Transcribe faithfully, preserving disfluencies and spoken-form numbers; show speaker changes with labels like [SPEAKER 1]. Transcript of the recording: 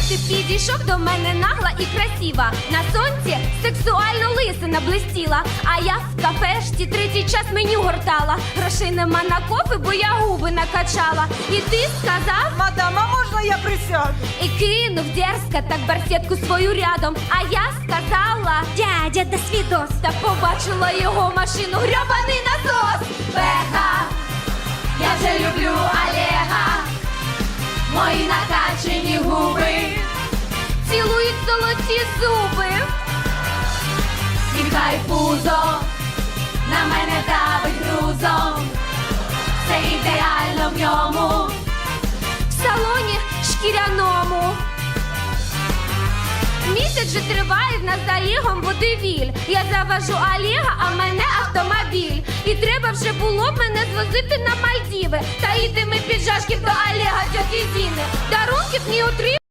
[SPEAKER 1] Ти підійшов до мене нагла і красива. На сонці сексуально лисина блистіла. А я в кафешці третій час меню гортала. Грошей нема на кофе, бо я губи накачала. І ти сказав:
[SPEAKER 2] Мадам, а можна я присяду?
[SPEAKER 1] і кинув дерзко так барсетку свою рядом. А я сказала: дядя, до свідос. Та побачила його машину, грьобаний насос. Беха, я вже люблю Олега. Мої накачені губи цілують золоті зуби. Нехай пузо на мене давить грузом. Це ідеально в ньому, в салоні шкіряному. Місяць же триває в нас за Олегом водевіль. Я завожу Олега, а мене автомобіль. І треба вже було б мене звозити на Мальдіви. Та йдемо піджашків до Олега тьоті Зіни. Дарунків не отримав.